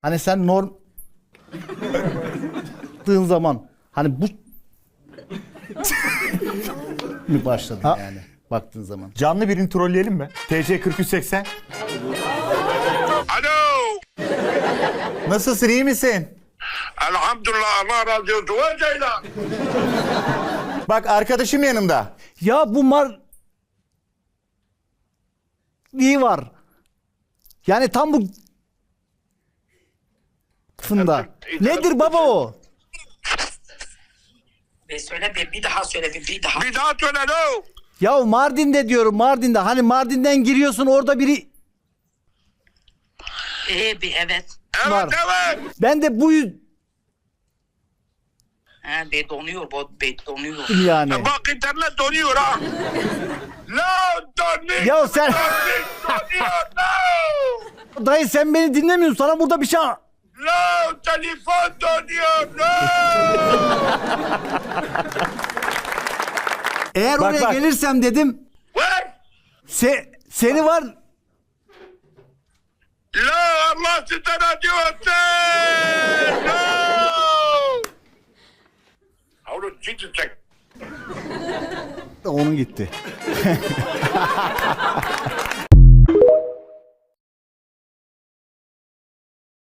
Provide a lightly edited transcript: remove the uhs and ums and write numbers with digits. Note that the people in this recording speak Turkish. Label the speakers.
Speaker 1: Hani sen zaman hani bu mi başladın yani baktığın zaman?
Speaker 2: Canlı birini trolleyelim mi? TC 4380.
Speaker 3: Alo.
Speaker 2: Nasılsın, iyi misin?
Speaker 3: Elhamdülillah, Allah razı olsun. Ve Ceylan.
Speaker 2: Bak arkadaşım yanımda.
Speaker 1: Ya bu iyi var. Yani tam bu fında. Nedir baba o?
Speaker 4: Söyle bir daha söyle bir daha.
Speaker 3: Bir daha söyle lo.
Speaker 1: Ya Mardin'de diyorum, Mardin'de. Hani Mardin'den giriyorsun, orada biri
Speaker 4: Bir evet.
Speaker 3: Evet
Speaker 1: Var.
Speaker 3: evet.
Speaker 1: ben de bu
Speaker 4: Be donuyor bu be donuyor.
Speaker 1: yani.
Speaker 3: Bak internet donuyor ha. La donuyor.
Speaker 1: Ya sen
Speaker 3: Donuyor la.
Speaker 1: dayı sen beni dinlemiyorsun. Sana burada bir şey
Speaker 3: La telefon donuyor la.
Speaker 1: Eğer
Speaker 2: Bak,
Speaker 1: oraya
Speaker 2: bak.
Speaker 1: gelirsem dedim
Speaker 3: Ver.
Speaker 1: seni var
Speaker 3: La Allah sizden acı olsun. La. Oğlum ciddi çek.
Speaker 1: onun gitti.